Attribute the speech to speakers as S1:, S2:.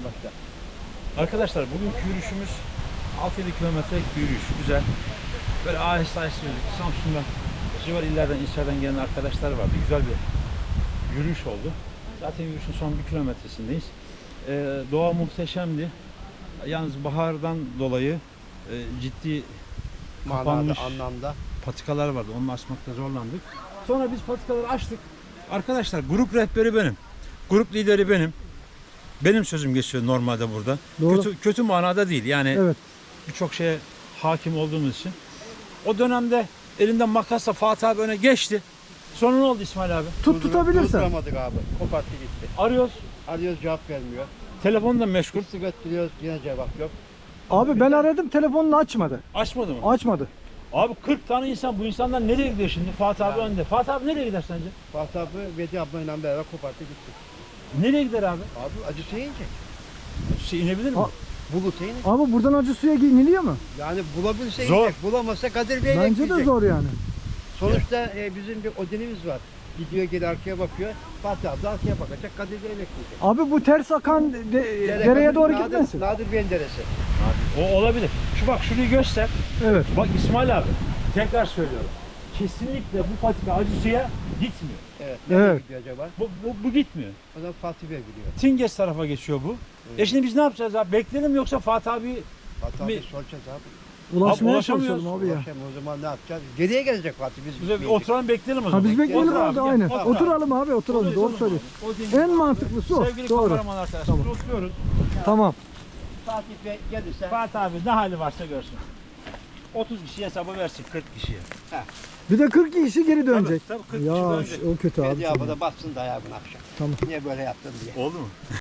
S1: başta.
S2: Arkadaşlar bugünkü yürüyüşümüz 6-7 kilometrelik bir yürüyüş. Güzel. Böyle aheste aheste yürüdük. Samsun'dan, civar illerden, ilçelerden gelen arkadaşlar vardı. Güzel bir yürüyüş oldu. Zaten yürüyüşün son 1 kilometresindeyiz. Doğa muhteşemdi. Yalnız bahardan dolayı ciddi kapanmış
S1: Anlamda.
S2: patikalar vardı. Onu açmakta zorlandık. Sonra biz patikaları açtık. Arkadaşlar grup rehberi benim. Grup lideri benim. Benim sözüm geçiyor normalde burada.
S3: Doğru.
S2: Kötü manada değil. Yani
S3: Evet.
S2: birçok şeye hakim olduğumuz için. O dönemde elinden makasla Fatih abi öne geçti. Sonra ne oldu İsmail abi?
S3: Tutabilirsen.
S1: Durduramadık abi. Koparttı gitti.
S2: Arıyoruz.
S1: Arıyoruz cevap vermiyor.
S2: Telefon da meşgul.
S1: Kırsı götürüyoruz yine cevap yok.
S3: Abi ben aradım, telefonunu açmadı.
S2: Açmadı mı?
S3: Açmadı.
S2: Abi 40 tane insan. Bu insanlar nereye gidiyor şimdi? Fatih abi
S1: Yani.
S2: önde. Fatih abi nereye gider sence?
S1: Fatih abi Vedi ablayla beraber koparttı gitti.
S2: Nereye gider abi?
S1: Abi acısı yiyecek.
S2: İnebilir mi?
S3: Ha.
S1: Bulursa yiyecek.
S3: Abi buradan acı suya iniliyor mu?
S1: Yani bulabilirse
S2: Zor.
S1: yiyecek. Bulamazsa Kadir Bey'le
S3: Bence de
S1: gidecek.
S3: zor yani.
S1: Sonuçta bizim bir odinimiz var. Gidiyor geri arkaya bakıyor. Fatih abi de arkaya bakacak. Kadir Bey'le gidecek.
S3: Abi bu ters akan dereye doğru gitmesin.
S1: Nadir Bey'in deresi.
S2: O olabilir. Şu bak şurayı göster.
S3: Evet.
S2: Bak İsmail abi. Tekrar söylüyorum. Kesinlikle bu patika acı suya gitmiyor.
S1: Evet. Nereye
S3: Evet.
S1: gidiyor acaba?
S2: Bu gitmiyor.
S1: O zaman Fatih Bey gidiyor.
S2: Tinges tarafa geçiyor bu. Şimdi biz ne yapacağız abi? Bekleyelim yoksa Fatih abi
S1: Fatih abi
S2: Mi-
S1: soracağız abi.
S3: Ulaşmaya
S2: ulaşamıyoruz.
S3: çalışalım abi ya.
S1: Akşam o zaman ne yapacağız? Geriye gelecek Fatih biz.
S2: bize bir oturalım bekleyelim o zaman.
S3: Ha biz bekleyelim
S2: Otur
S3: orada
S2: abi,
S3: aynen.
S2: gel, otur abi.
S3: Oturalım abi, oturalım.
S2: Otur,
S3: Doğru
S2: otur.
S3: söylüyorsun.
S2: O Tinges-
S3: En mantıklısı o.
S2: Sevgili
S3: Doğru.
S2: kameraman arkadaşlar
S3: Tamam.
S2: oturuyoruz.
S3: Tamam.
S1: Fatih Bey gelirse
S2: Fatih abi ne hali varsa görsün. 30 kişiye hesabı versin 40 kişiye.
S3: Bir de 40 kişi geri dönecek.
S2: Tabii 40 kişi
S3: Ya
S2: dönecek.
S3: o kötü abi.
S1: Vedi abi de bassın da ayağımın akşam.
S3: Tamam.
S1: Niye böyle yaptın diye.
S2: Oldu mu?